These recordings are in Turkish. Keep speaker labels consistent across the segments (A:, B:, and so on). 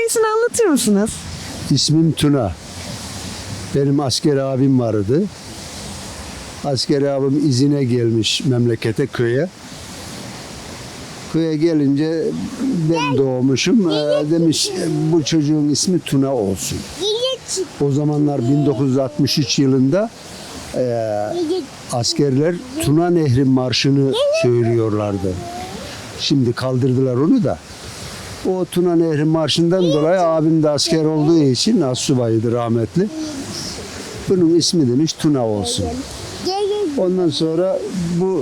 A: hikayesini anlatır mısınız?
B: İsmim Tuna. Benim asker abim vardı. Asker abim izine gelmiş memlekete, köye. Köye gelince ben doğmuşum. Demiş bu çocuğun ismi Tuna olsun. O zamanlar 1963 yılında askerler Tuna Nehri Marşı'nı söylüyorlardı. Şimdi kaldırdılar onu da. O Tuna Nehri Marşı'ndan dolayı abim de asker olduğu için astsubayıydı rahmetli. Bunun ismi demiş Tuna olsun. Ondan sonra bu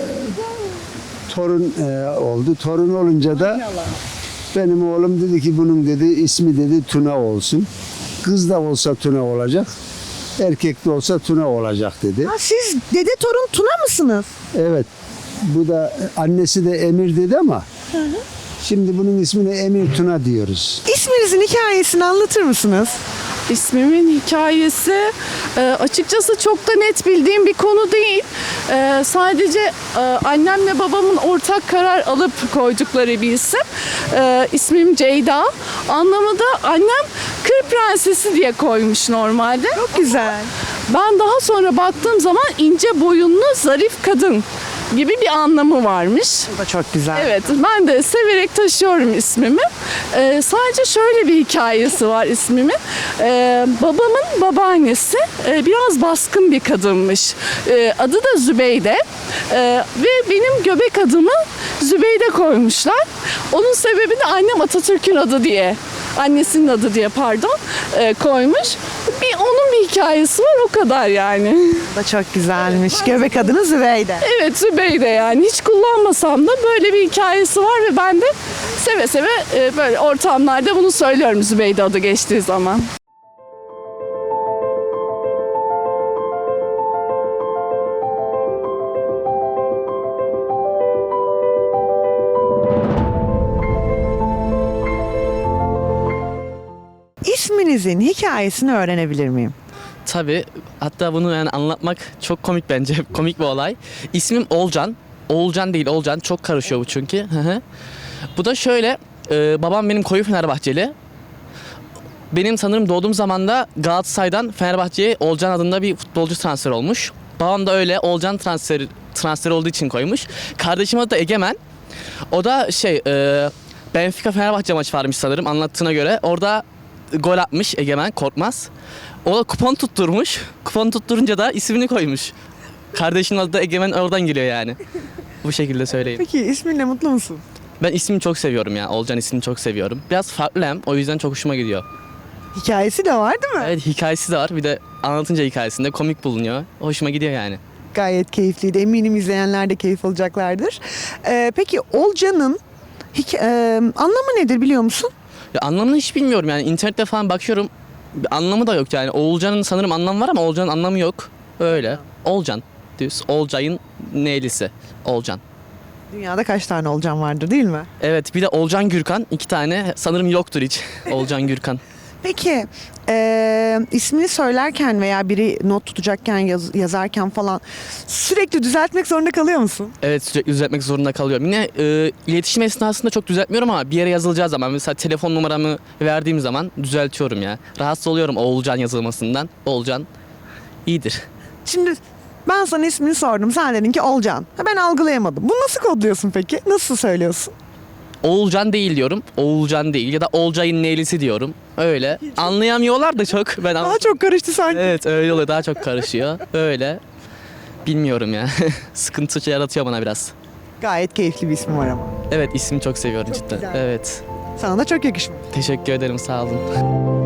B: torun oldu. Torun olunca da benim oğlum dedi ki bunun dedi ismi dedi Tuna olsun. Kız da olsa Tuna olacak. Erkek de olsa Tuna olacak dedi.
A: Ha, siz dede torun Tuna mısınız?
B: Evet. Bu da annesi de Emir dedi ama şimdi bunun ismini Emir Tuna diyoruz.
A: İsminizin hikayesini anlatır mısınız?
C: İsmimin hikayesi açıkçası çok da net bildiğim bir konu değil. Sadece annemle babamın ortak karar alıp koydukları bir isim. İsmim Ceyda. Anlamı da annem Kır Prensesi diye koymuş normalde.
A: Çok güzel.
C: Ben daha sonra baktığım zaman ince boyunlu zarif kadın gibi bir anlamı varmış.
A: Bu da çok güzel.
C: Evet, ben de severek taşıyorum ismimi. Sadece şöyle bir hikayesi var ismimin. Babamın babaannesi biraz baskın bir kadınmış. Adı da Zübeyde. Ve benim göbek adımı Zübeyde koymuşlar. Onun sebebi de annem Atatürk'ün adı diye, annesinin adı diye koymuş. Onun bir hikayesi var, o kadar yani.
A: Bu da çok güzelmiş. Göbek adınız Zübeyde.
C: Evet, Zübeyde yani. Hiç kullanmasam da böyle bir hikayesi var ve ben de seve seve böyle ortamlarda bunu söylüyorum Zübeyde adı geçtiği zaman.
A: İsminizin hikayesini öğrenebilir miyim?
D: Tabii. Hatta bunu yani anlatmak çok komik bence. Komik bir olay. İsmim Olcan. Oğulcan değil, Olcan. Çok karışıyor bu çünkü. Hı hı. Bu da şöyle. Babam benim koyu Fenerbahçeli. Benim sanırım doğduğum zaman da Galatasaray'dan Fenerbahçe'ye Olcan adında bir futbolcu transfer olmuş. Babam da öyle Olcan transferi olduğu için koymuş. Kardeşim adı da Egemen. O da Benfica Fenerbahçe maçı varmış sanırım anlattığına göre. Orada gol atmış Egemen Korkmaz. O da kupon tutturmuş. Kupon tutturunca da ismini koymuş. Kardeşinin adı da Egemen, oradan geliyor yani. Bu şekilde söyleyeyim.
A: Peki isminle mutlu musun?
D: Ben ismini çok seviyorum ya. Olcan ismini çok seviyorum. Biraz farklı hem. O yüzden çok hoşuma gidiyor.
A: Hikayesi de var değil mi?
D: Evet, hikayesi de var. Bir de anlatınca hikayesinde komik bulunuyor. Hoşuma gidiyor yani.
A: Gayet keyifliydi. Eminim izleyenler de keyif alacaklardır. Peki Olcan'ın anlamı nedir biliyor musun?
D: Ya anlamını hiç bilmiyorum yani. İnternette falan bakıyorum. Bir anlamı da yok yani. Oğulcan'ın sanırım anlamı var ama Olcan'ın anlamı yok. Öyle. Olcan. Düz. Olcay'ın neylisi. Olcan.
A: Dünyada kaç tane Olcan vardır değil mi?
D: Evet, bir de Olcan Gürkan. 2 tane sanırım yoktur hiç. Olcan Gürkan.
A: Peki ismini söylerken veya biri not tutacakken yazarken falan sürekli düzeltmek zorunda kalıyor musun?
D: Evet, sürekli düzeltmek zorunda kalıyorum. Yine iletişim esnasında çok düzeltmiyorum ama bir yere yazılacağı zaman mesela telefon numaramı verdiğim zaman düzeltiyorum ya. Rahatsız oluyorum Oğulcan yazılmasından. Oğulcan iyidir.
A: Şimdi ben sana ismini sordum. Sen dedin ki Olcan. Ben algılayamadım. Bunu nasıl kodluyorsun peki? Nasıl söylüyorsun?
D: Oğulcan değil diyorum. Oğulcan değil ya da Olcay'ın neylisi diyorum. Öyle. Anlayamıyorlar da çok.
A: Daha çok karıştı sanki.
D: Evet, öyle oluyor. Daha çok karışıyor. Öyle. Bilmiyorum ya. Sıkıntı yaratıyor bana biraz.
A: Gayet keyifli bir ismi var ama.
D: Evet, ismini çok seviyorum cidden.
A: güzel.
D: Evet.
A: Sana da çok yakışmış.
D: Teşekkür ederim. Sağ olun.